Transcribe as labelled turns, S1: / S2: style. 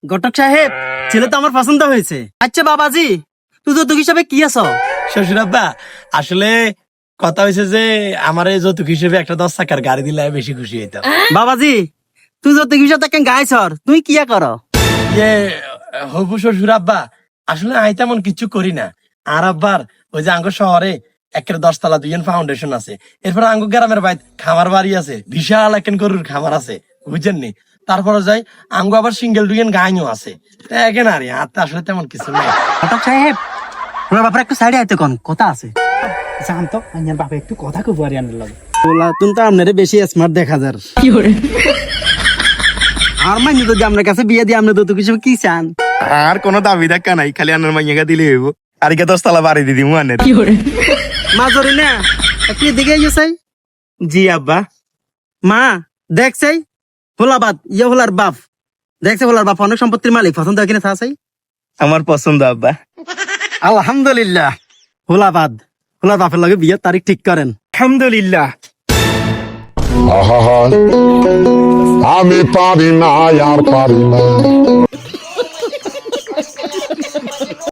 S1: ঘটক সাহেব, ছেলে তো আমার পছন্দ হয়েছে। আচ্ছা বাবাজি, তুই যৌতুক হিসাবে কি আছো?
S2: শ্বশুর আব্বা, আসলে কথা হয়েছে যে আমার এই যৌতুক হিসেবে একটা 10 চাকার গাড়ি দিলে আমি বেশি খুশি হইতাম।
S1: বাবাজি, তুই যৌতুক হিসাবে কেন গাইছর? তুই কি করো?
S2: ইয়ে, হবু শ্বশুর আব্বা, আসলে আমি তেমন কিছু করি না। আর আব্বার ওই যে আঙ্গ শহরে একের 10 তলা 2 ফাউন্ডেশন আছে। এরপর আঙ্গ গ্রামের বাইত খামার বাড়ি আছে, বিশাল একেন গরুর খামার আছে, বুঝছেন নি? তারপরে যাই আঙ্গ আবার সিঙ্গেল 2 গাইও আছে। একেন আর আর তো আসলে তেমন কিছু নাই।
S1: ঘটক সাহেব, তোমার বাপার একটু সাইডে আইতে কোন কথা আছে।
S3: জানতো আমার বাবা একটু কথা কব আর আনার লাগে।
S1: তোলা তুমি তো আপনারে বেশি স্মার্ট দেখা যার। আর মাইনি যদি আপনার কাছে বিয়ে দিয়ে আপনি যৌতুক হিসেবে কি চান?
S4: আর কোনো দাবি দেখা নাই, খালি আনার মাইয়াকে দিলে হইব। আর কে 10 তলা বাড়ি দিদি আনের।
S1: মা জরি না একটু দিকে গেছাই।
S4: জি আব্বা।
S1: মা দেখছাই, হোলাবাদ ইয়ে হোলার বাপ দেখছে, হোলার বাপ অনেক সম্পত্তির মালিক, পছন্দ হয় কিনা চাই।
S4: আমার পছন্দ আব্বা।
S1: আলহামদুলিল্লাহ, হোলাবাদ হোলার বাপের লগে বিয়ের তারিখ ঠিক করেন।
S4: আলহামদুলিল্লাহ।
S5: আহা আমি পারি না আর পারি না